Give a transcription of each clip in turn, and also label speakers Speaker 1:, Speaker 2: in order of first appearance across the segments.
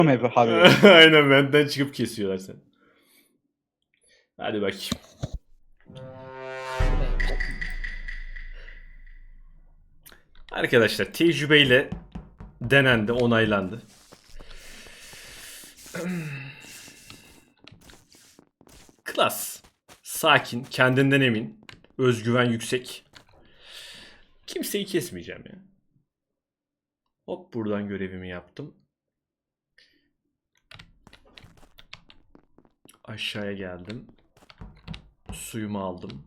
Speaker 1: hep abi.
Speaker 2: Aynen benden çıkıp kesiyorlar seni. Hadi bakayım. Arkadaşlar tecrübeyle denendi, onaylandı. Klas. Sakin, kendinden emin, özgüven yüksek. Kimseyi kesmeyeceğim ya. Hop buradan görevimi yaptım. Aşağıya geldim. Suyumu aldım.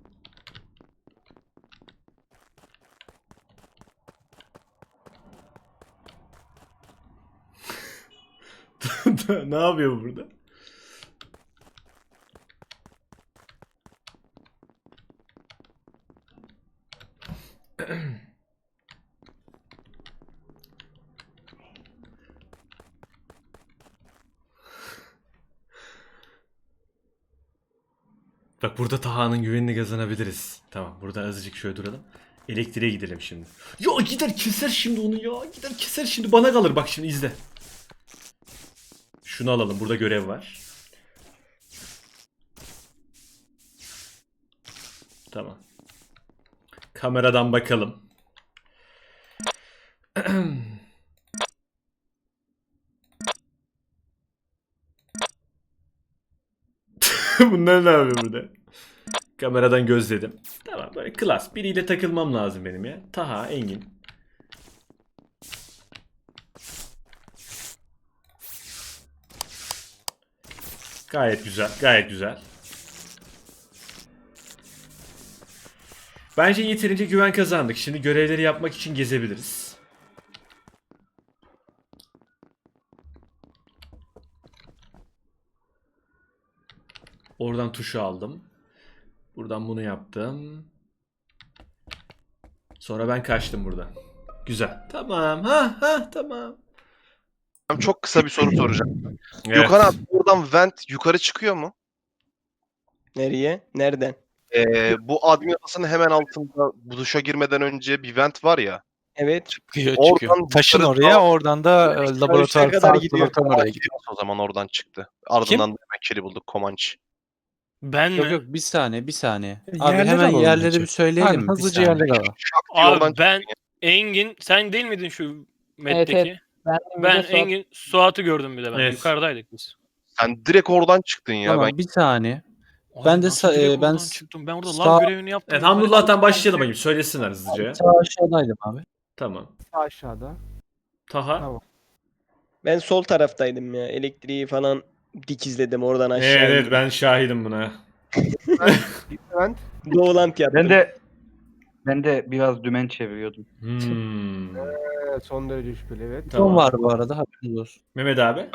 Speaker 2: Ne yapıyor burada? Bak burada Taha'nın güvenini kazanabiliriz. Tamam burada azıcık şöyle duralım. Elektriğe gidelim şimdi. Ya gider keser şimdi onu ya. Gider keser şimdi bana kalır bak şimdi izle. Şunu alalım burada görev var. Tamam. Kameradan bakalım. Bunlar ne yapıyor burada? Kameradan gözledim. Tamam böyle klas. Biriyle takılmam lazım benim ya. Taha, Engin. Gayet güzel, gayet güzel. Bence yeterince güven kazandık. Şimdi görevleri yapmak için gezebiliriz. Oradan tuşu aldım. Buradan bunu yaptım. Sonra ben kaçtım buradan. Güzel. Tamam. Tamam.
Speaker 3: Çok kısa bir soru soracağım.
Speaker 2: Evet.
Speaker 3: Gökhan abi buradan vent yukarı çıkıyor mu?
Speaker 4: Nereye? Nereden?
Speaker 3: Bu admin odasının hemen altında bu duşa girmeden önce bir vent var ya.
Speaker 4: Evet.
Speaker 5: Çıkıyor
Speaker 3: Oradan
Speaker 5: çıkıyor. Taşın
Speaker 3: yukarı
Speaker 5: oraya,
Speaker 3: doğru-
Speaker 5: oradan da laboratuvar,
Speaker 4: kadar
Speaker 5: sağlık
Speaker 4: gidiyor.
Speaker 5: laboratuvarına oraya gidiyor.
Speaker 3: O zaman oradan çıktı. Ardından da hemen kili bulduk Komanç.
Speaker 6: Ben mi?
Speaker 7: Yok yok bir saniye bir saniye. Abi
Speaker 5: Yerleri
Speaker 7: hemen
Speaker 5: alalım
Speaker 7: yerleri
Speaker 5: bence.
Speaker 7: bir söyleyelim
Speaker 5: Aynen,
Speaker 7: mi? Bir
Speaker 5: hızlıca
Speaker 7: saniye.
Speaker 5: yerleri alalım.
Speaker 3: Şak diye oradan
Speaker 6: Abi ben
Speaker 3: çıktı.
Speaker 6: Engin sen değil miydin şu metteki?
Speaker 8: Evet.
Speaker 6: Ben Engin Suat'ı gördüm bir de ben.
Speaker 2: Evet.
Speaker 6: Yukarıdaydık biz.
Speaker 3: Sen direkt oradan çıktın ya.
Speaker 7: Tamam
Speaker 3: Ben
Speaker 7: bir saniye.
Speaker 6: Abi
Speaker 7: Ben de
Speaker 6: nasıl
Speaker 7: sa-
Speaker 6: direkt
Speaker 7: ben
Speaker 6: oradan
Speaker 7: s-
Speaker 6: çıktım. Ben orada
Speaker 7: sağ-
Speaker 6: lav görevini yaptım.
Speaker 2: Evet
Speaker 6: Yukarı
Speaker 2: Hamdullah'tan
Speaker 6: çıktım.
Speaker 2: başlayalım bakayım. Söylesinler hızlıca.
Speaker 7: Sağ aşağıdaydım abi.
Speaker 2: Tamam.
Speaker 8: Aşağıda.
Speaker 2: Taha.
Speaker 8: Tamam.
Speaker 4: Ben sol taraftaydım ya. Elektriği falan dikizledim oradan aşağı.
Speaker 2: Evet
Speaker 4: indim.
Speaker 2: ben şahidim buna.
Speaker 8: Ben
Speaker 4: Doğulant yaptım.
Speaker 1: Ben de biraz dümen çeviriyordum.
Speaker 8: son derece şüpheli evet.
Speaker 2: Tamam.
Speaker 7: Son var bu arada haberiniz olsun.
Speaker 2: Mehmet abi.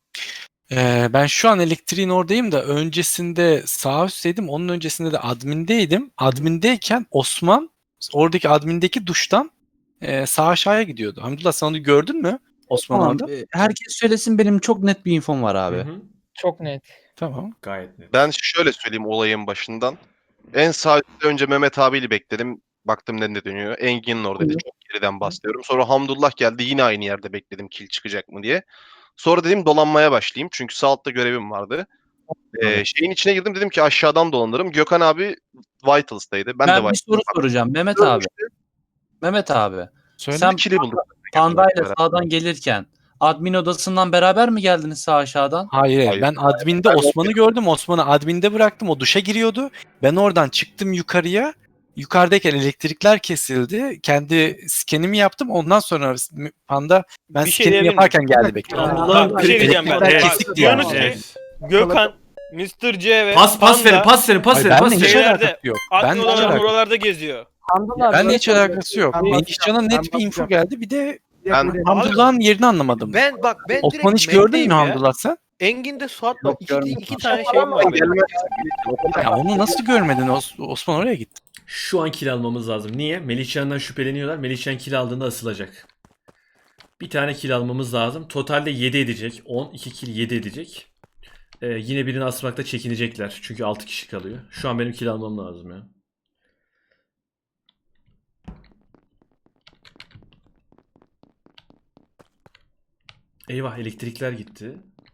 Speaker 5: Ben şu an elektriğin oradayım da öncesinde sağ üstteydim. Onun öncesinde de admindeydim. Admindeyken Osman oradaki admindeki duştan sağ aşağıya gidiyordu. Hamdullah sen onu gördün mü? Osman
Speaker 7: Tamam.
Speaker 5: orada.
Speaker 7: Herkes söylesin benim çok net bir infom var abi.
Speaker 2: Hı hı.
Speaker 8: Çok net.
Speaker 5: Tamam.
Speaker 2: Gayet net.
Speaker 3: ben şöyle söyleyeyim olayın başından. En sağ üstte önce Mehmet abiyle bekledim. Baktım ne dönüyor. Engin'in oradaydı. Çok geriden bahsediyorum. Sonra Hamdullah geldi. Yine aynı yerde bekledim kill çıkacak mı diye. Sonra dedim dolanmaya başlayayım. Çünkü sağ altta görevim vardı. Şeyin içine girdim. Dedim ki aşağıdan dolanırım. Gökhan abi Vitals'taydı. Ben de
Speaker 7: Ben bir
Speaker 3: Vitals'taydım.
Speaker 7: soru soracağım Mehmet abi. Mehmet abi.
Speaker 5: Söyle.
Speaker 7: Sen
Speaker 3: Kili bulduk.
Speaker 7: Panda'yla sağdan gelirken admin odasından beraber mi geldiniz sağ aşağıdan?
Speaker 5: Hayır,
Speaker 3: Hayır.
Speaker 5: ben adminde Osman'ı gördüm. Osman'ı adminde bıraktım. O duşa giriyordu. Ben oradan çıktım yukarıya. Yukarıdayken elektrikler kesildi. Kendi skenimi yaptım. Ondan sonra Panda ben
Speaker 6: Bir şey
Speaker 5: skenimi
Speaker 6: diyebilir
Speaker 5: yaparken
Speaker 6: miyim?
Speaker 5: geldi bekliyor.
Speaker 2: Allah'ım,
Speaker 6: Bak, bir şey diyeceğim ben.
Speaker 5: Elektrikler
Speaker 6: Evet,
Speaker 5: kesik
Speaker 6: diyorsunuz
Speaker 5: diyor.
Speaker 6: ki
Speaker 2: Evet.
Speaker 6: Gökhan, Mr. C ve
Speaker 2: Pas verin,
Speaker 6: Panda
Speaker 2: pas verin, pas
Speaker 5: Hayır,
Speaker 2: verin, pas
Speaker 5: benle hiç
Speaker 6: Şeylerde,
Speaker 2: verin.
Speaker 5: alakası yok.
Speaker 6: admin
Speaker 5: Benle hiç
Speaker 6: olarak
Speaker 5: alakası yok.
Speaker 6: buralarda geziyor.
Speaker 5: Benle hiç alakası yok.
Speaker 8: Ben
Speaker 5: Melihcan'a net bir
Speaker 8: bakacağım.
Speaker 5: info geldi. Bir de
Speaker 3: Ben-
Speaker 5: Hamdullah'ın yerini anlamadım.
Speaker 9: Ben
Speaker 5: Osman hiç gördün mü Hamdullah sen?
Speaker 9: Engin'de Suat'la
Speaker 1: Yok,
Speaker 9: iki
Speaker 1: görmedim.
Speaker 9: tane şey var benim.
Speaker 5: Ya onu nasıl görmedin? Osman oraya gitti.
Speaker 2: Şu an kill almamız lazım. Niye? Melihcan'dan şüpheleniyorlar. Melihcan kill aldığında asılacak. Bir tane kill almamız lazım. Totalde 7 edecek. 10, 2 kill 7 edecek. Yine birini asmakta çekinecekler. Çünkü 6 kişi kalıyor. Şu an benim kill almam lazım ya. Eyvah elektrikler gitti.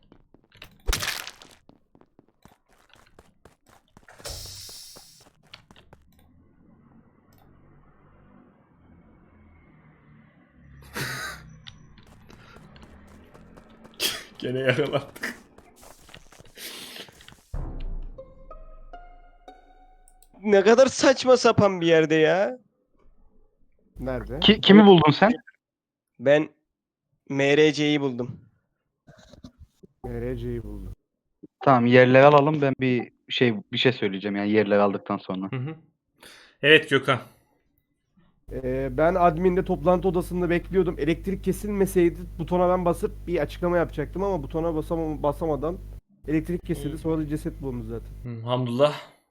Speaker 2: Gene yakalandık.
Speaker 4: Ne kadar saçma sapan bir yerde ya.
Speaker 8: Nerede?
Speaker 1: Kimi buldun sen?
Speaker 4: Ben MRC'yi buldum.
Speaker 8: RC'yi buldum.
Speaker 1: Tamam, yerleri alalım, ben bir şey söyleyeceğim yani yerleri aldıktan sonra.
Speaker 2: Hı hı. Evet Gökhan.
Speaker 8: Ben adminde toplantı odasında bekliyordum. Elektrik kesilmeseydi butona ben basıp bir açıklama yapacaktım ama butona basamadan elektrik kesildi. Sonra da ceset bulundu zaten.
Speaker 2: Hamdullah.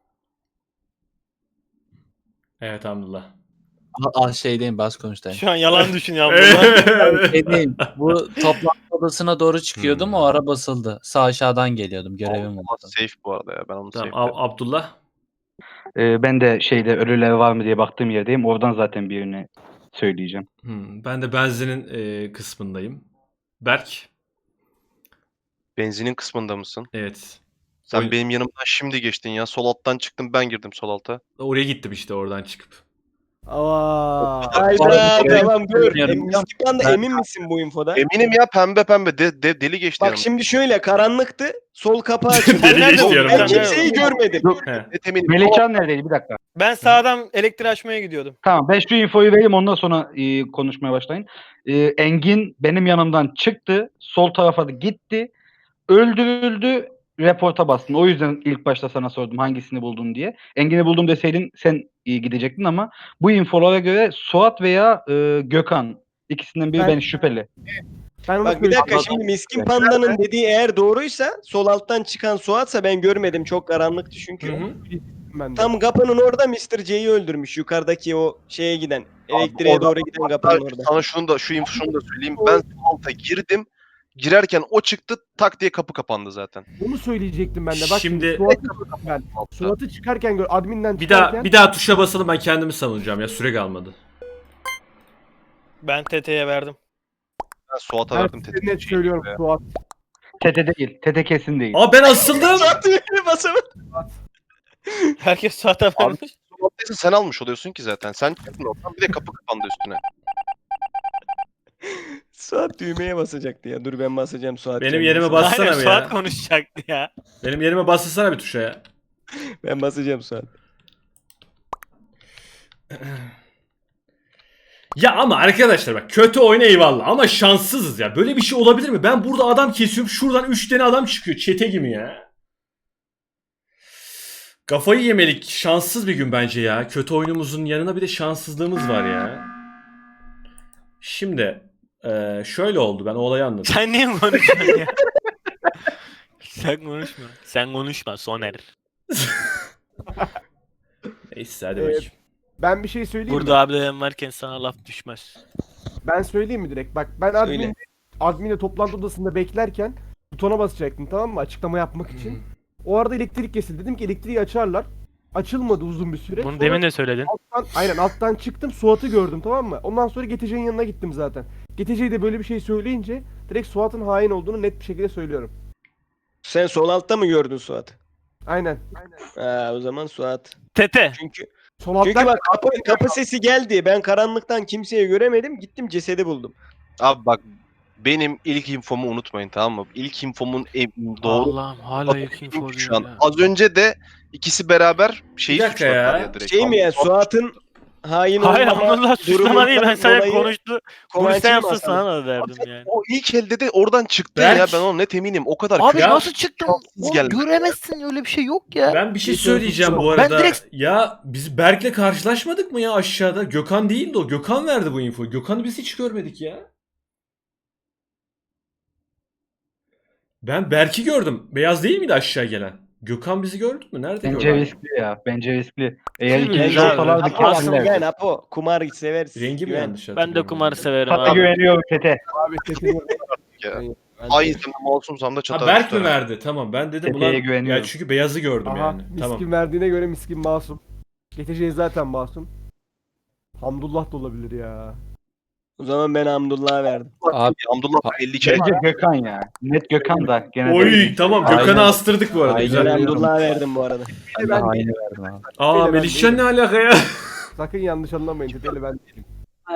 Speaker 2: Evet Hamdullah.
Speaker 7: Şeydeyim, bas konuştayım.
Speaker 6: Şu an yalan düşünüyorum burada.
Speaker 7: Şeydeyim, bu toplantı odasına doğru çıkıyordum, o ara basıldı. Sağ aşağıdan geliyordum, görevim
Speaker 3: Ama
Speaker 7: vardı.
Speaker 3: safe bu arada ya. Ben onu
Speaker 2: Tamam
Speaker 3: safe
Speaker 2: Abdullah.
Speaker 1: Ben de ölüler var mı diye baktığım yerdeyim. Oradan zaten birini söyleyeceğim.
Speaker 2: Ben de benzinin kısmındayım. Berk.
Speaker 3: Benzinin kısmında mısın?
Speaker 2: Evet.
Speaker 3: Sen
Speaker 2: Oyun-
Speaker 3: benim yanımdan şimdi geçtin ya. Sol alttan çıktım, ben girdim sol alta.
Speaker 2: Oraya gittim işte oradan çıkıp.
Speaker 8: Aa,
Speaker 4: Hayda
Speaker 7: Görev
Speaker 4: tamam dur.
Speaker 7: bilmiyorum.
Speaker 4: Miskipan da
Speaker 7: Ben-
Speaker 4: emin misin bu infoda?
Speaker 3: Eminim ya, pembe deli geçti
Speaker 4: Bak
Speaker 3: yanımdan.
Speaker 4: şimdi şöyle karanlıktı. Sol kapağı açıldı.
Speaker 2: Deli
Speaker 4: Ben
Speaker 2: geçti yanımdan.
Speaker 4: Ben kimseyi görmedim.
Speaker 2: He.
Speaker 3: Net eminim.
Speaker 1: Melihcan neredeydi? Bir dakika.
Speaker 6: Ben sağdan elektriği açmaya gidiyordum.
Speaker 1: Tamam, ben şu infoyu vereyim, ondan sonra konuşmaya başlayın. Engin benim yanımdan çıktı. Sol tarafa da gitti. Öldürüldü. Reporta bastın. O yüzden ilk başta sana sordum hangisini buldun diye. Engin'i buldum deseydin sen gidecektin ama bu infolara göre Suat veya Gökhan, ikisinden biri ben şüpheli.
Speaker 8: ben onu
Speaker 4: Bak bir dakika
Speaker 8: söyleyeyim.
Speaker 4: şimdi Miskin Panda'nın dediği eğer doğruysa sol alttan çıkan Suat'sa ben görmedim. Çok karanlıktı çünkü.
Speaker 2: Hı hı.
Speaker 8: Ben de.
Speaker 4: Tam kapının orada Mr. C'yi öldürmüş. Yukarıdaki o şeye giden. Elektriğe
Speaker 3: oradan-
Speaker 4: doğru giden kapının orada.
Speaker 3: Sana şunu da söyleyeyim. Ben sol alta girdim. Girerken o çıktı, tak diye kapı kapandı zaten.
Speaker 8: Onu söyleyecektim ben de. Bak
Speaker 2: Şimdi-
Speaker 8: Suat'ı çıkarken adminden
Speaker 2: Bir
Speaker 8: çıkarken
Speaker 2: daha tuşa basalım, ben kendimi savunacağım ya, süre kalmadı.
Speaker 6: Ben TT'ye verdim.
Speaker 3: Ben Suat'a
Speaker 8: ben
Speaker 3: verdim
Speaker 8: size
Speaker 3: tetik.
Speaker 8: net söylüyorum Suat.
Speaker 1: Tete değil. Tete kesin değil.
Speaker 2: Aa ben asıldım.
Speaker 4: Suat düğmeye basamadı.
Speaker 6: Herkes Suat'a vermiş.
Speaker 3: Suat'taysa sen almış oluyorsun ki zaten. Sen çıktın oradan, bir de kapı kapandı üstüne.
Speaker 4: Suat düğmeye basacaktı ya. Dur ben basacağım Suat.
Speaker 2: Benim
Speaker 4: kendini
Speaker 2: yerime
Speaker 4: savun.
Speaker 2: bas. Bassana
Speaker 6: Aynen
Speaker 2: bir
Speaker 6: Suat
Speaker 2: ya.
Speaker 6: konuşacaktı ya.
Speaker 2: Benim yerime bassana bir tuşa ya.
Speaker 4: Ben basacağım Suat.
Speaker 2: Ya ama arkadaşlar bak, kötü oyun eyvallah ama şanssızız ya. Böyle bir şey olabilir mi? Ben burada adam kesiyorum, şuradan 3 tane adam çıkıyor çete gibi ya. Kafayı yemelik, şanssız bir gün bence ya. Kötü oyunumuzun yanına bir de şanssızlığımız var ya. Şimdi şöyle oldu, ben o olayı anladım.
Speaker 6: Sen niye konuşuyorsun ya? Sen konuşma. Sen konuşma Soner.
Speaker 2: Neyse hadi
Speaker 8: Evet.
Speaker 2: bakayım.
Speaker 8: Ben bir şey söyleyeyim mi?
Speaker 6: Burada abilerim varken sana laf düşmez.
Speaker 8: Ben söyleyeyim mi direkt? Bak ben
Speaker 4: Söyle.
Speaker 8: adminde toplantı odasında beklerken butona basacaktım, tamam mı? Açıklama yapmak için. O arada elektrik kesildi. Dedim ki elektriği açarlar. Açılmadı uzun bir süre.
Speaker 6: Bunu
Speaker 8: Sonra
Speaker 6: demin de söyledin.
Speaker 8: alttan çıktım, Suat'ı gördüm, tamam mı? Ondan sonra GTC'nin yanına gittim zaten. GTC de böyle bir şey söyleyince direkt Suat'ın hain olduğunu net bir şekilde söylüyorum.
Speaker 4: Sen sol altta mı gördün Suat?
Speaker 8: Aynen.
Speaker 4: O zaman Suat.
Speaker 6: Tete.
Speaker 4: Çünkü
Speaker 8: Sol alttan
Speaker 4: bak kapı sesi geldi. Ben karanlıktan kimseyi göremedim. Gittim cesedi buldum.
Speaker 3: Abi bak, benim ilk infomu unutmayın, tamam mı? İlk infomun doğru.
Speaker 6: Allah'ım hala ilk info
Speaker 3: Şu an.
Speaker 6: diyor ya.
Speaker 3: Az önce de ikisi beraber şeyi
Speaker 2: Bir dakika
Speaker 3: suçladılar
Speaker 2: ya.
Speaker 3: direkt.
Speaker 4: Şey mi ya Suat'ın hain
Speaker 6: Hayır
Speaker 4: olmama
Speaker 6: Abdullah suçlama değil, ben
Speaker 4: durumundan
Speaker 6: sadece
Speaker 4: dolayı
Speaker 6: konuştu.
Speaker 4: Kovanç'ı
Speaker 6: Bunu sen yapsa
Speaker 4: basalım.
Speaker 6: sana da derdim yani.
Speaker 3: O ilk elde de oradan çıktı
Speaker 2: Berk.
Speaker 3: ya, ben ona net eminim. O kadar
Speaker 9: Abi
Speaker 3: kötü.
Speaker 2: Ya-
Speaker 9: nasıl çıktın?
Speaker 3: Şanssız
Speaker 9: Oğlum,
Speaker 3: geldi.
Speaker 9: göremezsin, öyle bir şey yok ya.
Speaker 2: Ben bir şey söyleyeceğim bu arada.
Speaker 9: Ben direkt-
Speaker 2: Ya biz Berk'le karşılaşmadık mı ya aşağıda? Gökhan değildi o. Gökhan verdi bu infoyu. Gökhan'ı biz hiç görmedik ya. Ben Berk'i gördüm. Beyaz değil miydi aşağı gelen? Gökhan bizi gördü mü? Nerede
Speaker 1: Bence
Speaker 2: gördü?
Speaker 1: riskli ya. Bence riskli. Eğer
Speaker 2: Değil mi?
Speaker 1: ikimiz
Speaker 2: Güzel.
Speaker 1: olsalardı
Speaker 4: Apo asıl
Speaker 1: kesinler.
Speaker 4: güven Apo. Kumar seversin.
Speaker 2: Rengi mi
Speaker 4: Güven.
Speaker 2: yanlış
Speaker 6: Ben de
Speaker 2: hatırlıyorum?
Speaker 6: kumarı severim
Speaker 1: Tata
Speaker 6: abi.
Speaker 1: güveniyorum Tete.
Speaker 8: abi tekini
Speaker 3: Ya.
Speaker 4: Ben-
Speaker 3: Hain masumsam da
Speaker 2: Ha
Speaker 3: çatar.
Speaker 2: Berk mi verdi? Tamam ben dedim
Speaker 1: Tepeye
Speaker 2: ulan.
Speaker 1: güveniyorum.
Speaker 2: Ya çünkü beyazı gördüm
Speaker 8: Aha,
Speaker 2: yani.
Speaker 8: miskin
Speaker 2: Tamam.
Speaker 8: verdiğine göre miskin masum. GTC zaten masum. Hamdullah da olabilir ya.
Speaker 4: O zaman ben Hamdullah'a verdim.
Speaker 7: Abi
Speaker 3: Hamdullah 50 kere
Speaker 1: Bence Gökhan ya. Net Gökhan da gene de.
Speaker 2: Oy tamam
Speaker 7: Aynen.
Speaker 2: Gökhan'ı astırdık bu arada.
Speaker 7: Aynen.
Speaker 2: Güzel.
Speaker 4: Ben Hamdullah'a verdim bu arada.
Speaker 7: ben de aynı verdim abi.
Speaker 2: Aa
Speaker 8: Ben
Speaker 2: Melihcan ne
Speaker 8: değilim.
Speaker 2: alaka ya?
Speaker 8: Sakın yanlış anlamayın. Tete ile ben değilim.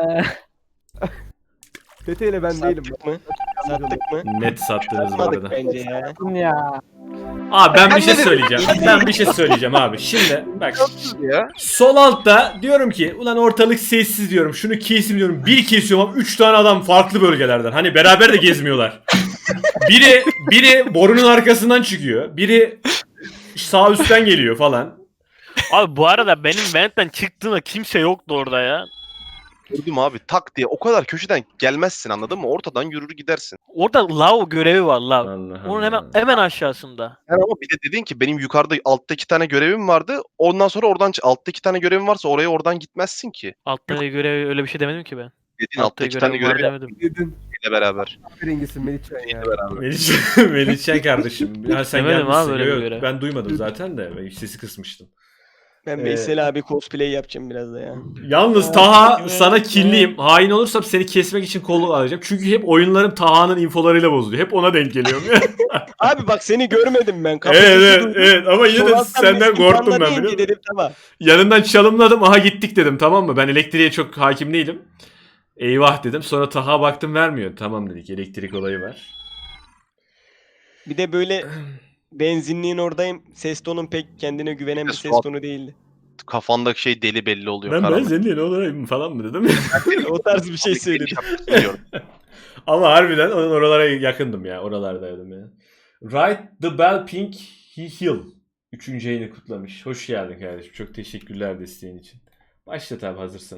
Speaker 8: Tete ile ben değilim.
Speaker 4: Sattık mı? Sattık mı?
Speaker 2: Net sattınız bu
Speaker 4: Satmadık
Speaker 2: arada.
Speaker 4: bence ya.
Speaker 9: Ya.
Speaker 2: Abi ben bir şey söyleyeceğim. Ben bir şey söyleyeceğim abi. Şimdi bak.
Speaker 3: ya.
Speaker 2: Sol altta diyorum ki ulan ortalık sessiz diyorum. Şunu keseyim diyorum. Bir kesiyorum ama 3 tane adam farklı bölgelerden. Hani beraber de gezmiyorlar. Biri borunun arkasından çıkıyor. Biri sağ üstten geliyor falan.
Speaker 6: Abi bu arada benim ventten çıktığımda kimse yoktu orada ya.
Speaker 3: Gördüm abi tak diye o kadar köşeden gelmezsin anladın mı? Ortadan yürür gidersin.
Speaker 6: Orada lav görevi var lav.
Speaker 2: Allah
Speaker 6: Onun
Speaker 2: Allah.
Speaker 6: hemen aşağısında.
Speaker 3: Yani ama bir de dedin ki benim yukarıda altta 2 tane görevim vardı. Ondan sonra oradan altta 2 tane görevim varsa oraya oradan gitmezsin ki.
Speaker 6: Altta görevi öyle bir şey demedim ki ben.
Speaker 3: Dediğin altta 2 tane
Speaker 6: görevim var
Speaker 3: görevi
Speaker 6: demedim.
Speaker 8: Dedin.
Speaker 3: ile beraber.
Speaker 8: Biringisin Melihcan ya.
Speaker 2: Melihcan kardeşim. Ya sen
Speaker 6: Demedim
Speaker 2: gelmişsin.
Speaker 6: abi öyle bir
Speaker 2: Yok,
Speaker 6: görev.
Speaker 2: ben duymadım zaten de. Ben sesi kısmıştım.
Speaker 4: Ben Veysel abi cosplay yapacağım biraz da ya.
Speaker 2: Yalnız Taha sana kinliyim. Hain olursam seni kesmek için kolu alacağım. Çünkü hep oyunlarım Taha'nın infolarıyla bozuluyor. Hep ona denk geliyorum ya.
Speaker 4: Abi bak seni görmedim ben.
Speaker 2: evet ama yine de
Speaker 4: Sonradan
Speaker 2: senden
Speaker 4: biz
Speaker 2: korktum
Speaker 4: imkanla
Speaker 2: ben
Speaker 4: deyince
Speaker 2: biliyor musun?
Speaker 4: dedim tamam.
Speaker 2: Yanından çalımladım. Aha gittik dedim tamam mı? Ben elektriğe çok hakim değilim. Eyvah dedim. Sonra Taha baktım vermiyor. Tamam dedik elektrik olayı var.
Speaker 4: Bir de böyle benzinliğin oradayım. Ses tonun pek kendine güvenen bir ses
Speaker 3: Suat-
Speaker 4: tonu değildi.
Speaker 3: Kafandaki şey deli belli oluyor.
Speaker 2: Ben
Speaker 3: karanlık.
Speaker 2: seninle ne olayım falan mı dedim.
Speaker 4: O tarz bir şey söyledim.
Speaker 3: Biliyorum.
Speaker 2: Ama harbiden onun oralara yakındım ya. Oralardaydım ya. Right the Bell Pink Hill. 3. yayını kutlamış. Hoş geldin kardeşim. Çok teşekkürler desteğin için. Başlat abi hazırsın.